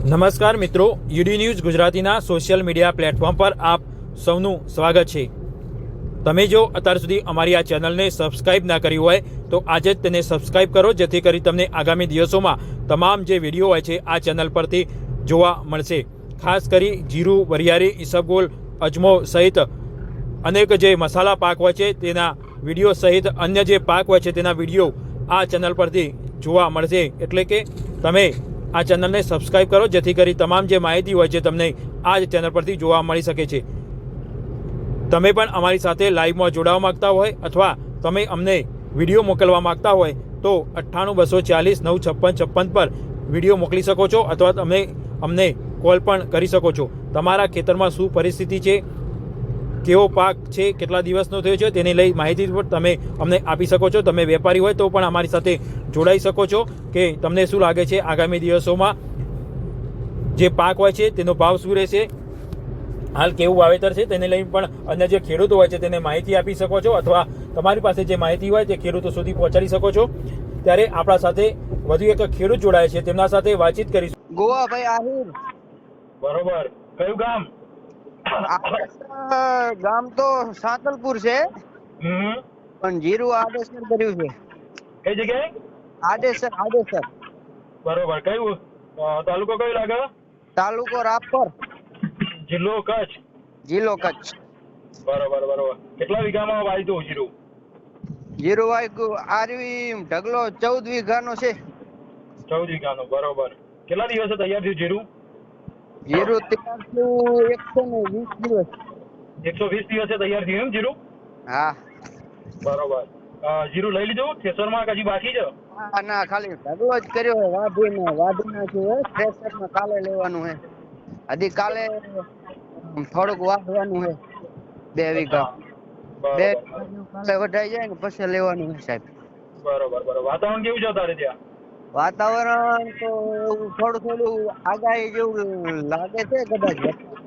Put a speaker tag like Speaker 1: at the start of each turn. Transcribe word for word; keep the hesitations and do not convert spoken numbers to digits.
Speaker 1: નમસ્કાર મિત્રો, UD news ગુજરાતીના સોશિયલ મીડિયા પ્લેટફોર્મ પર આપ સૌનું સ્વાગત છે। તમે જો અત્યાર સુધી અમારી આ ચેનલને સબસ્ક્રાઇબ ના કરી હોય તો આજે જ તેને સબસ્ક્રાઇબ કરો, જેથી કરી તમને આગામી દિવસોમાં તમામ જે વિડીયો હોય છે આ ચેનલ પરથી જોવા મળશે। ખાસ કરી જીરું, વરિયાળી, ઈસબગોલ, અજમો સહિત અનેક જે મસાલા પાક હોય છે તેના વિડીયો સહિત અન્ય જે પાક હોય છે તેના વિડીયો આ ચેનલ પરથી જોવા મળશે। એટલે કે તમે આ ચેનલને સબસ્ક્રાઇબ કરો, જેથી કરી તમામ જે માહિતી હોય છે તમને આ જ ચેનલ પરથી જોવા મળી શકે છે। તમે પણ અમારી સાથે લાઈવમાં જોડાવા માગતા હોય અથવા તમે અમને વિડીયો મોકલવા માગતા હોય તો અઠ્ઠાણું બસો ચાલીસ નવ છપ્પન છપ્પન પર વિડીયો મોકલી શકો છો અથવા તમે અમને કોલ પણ કરી શકો છો। તમારા ખેતરમાં શું પરિસ્થિતિ છે, કેવો પાક છે, કેટલા દિવસનો થયો છે તેને લઈ માહિતી પણ તમે અમને આપી શકો છો। તમે વેપારી હોય તો પણ અમારી સાથે જોડાઈ શકો છો કે તમને શું લાગે છે આગામી દિવસોમાં જે પાક હોય છે તેનો ભાવ શું રહેશે, હાલ કેવું વાવેતર છે તેને લઈ પણ અન્ય જે ખેડૂતો હોય છે તેને માહિતી આપી શકો છો અથવા તમારી પાસે જે માહિતી હોય તે ખેડૂતો સુધી પહોંચાડી શકો છો। ત્યારે આપણા સાથે વધુ એક ખેડૂત જોડાય છે, તેમના સાથે વાતચીત કરીશું।
Speaker 2: ગોવાભાઈ આહિર।
Speaker 1: બરોબર, કયું ગામ?
Speaker 2: ગામ તો સાતલપુર છે,
Speaker 1: હમ
Speaker 2: પણ જીરું આડેસર કર્યું છે।
Speaker 1: કઈ જગ્યાએ?
Speaker 2: આડેસર આડેસર
Speaker 1: બરોબર, કયું તાલુકો કયો લાગે?
Speaker 2: તાલુકો રાપર,
Speaker 1: જિલ્લો કચ્છ,
Speaker 2: જિલ્લો કચ્છ।
Speaker 1: બરોબર બરોબર, કેટલા વીઘામાં વાવ્યું જીરું?
Speaker 2: જીરું વાયુ આરવી ઢગલો ચૌદ વીઘાનો છે।
Speaker 1: ચૌદ વીઘાનો, બરોબર। કેટલા દિવસે તૈયાર થયું જીરું?
Speaker 2: જીરું તૈયાર થયું એકસો ને વીસ દિવસ।
Speaker 1: એકસો વીસ દિવસે તૈયાર થયું એમ જીરું?
Speaker 2: હા।
Speaker 1: બરોબર, જીરું લઈ લીધું થેસરમાં હજી બાકી છે?
Speaker 2: હા, ના, ખાલી ઢગલો જ કર્યો, વાઢીને વાઢી નાખ્યું છે। થ્રેશરમાં કાલે લેવાનું છે, હજી કાલે થોડુંક વાઢવાનું છે, બે વીઘા બે કાલે વઢાઈ જાય ને પછી લેવાનું છે સાહેબ।
Speaker 1: બરોબર બરોબર, વાતાવરણ કેવું છે તારે ત્યાં?
Speaker 2: વાતાવરણ તો થોડું થોડું આગાહી જેવું લાગે છે, કદાચ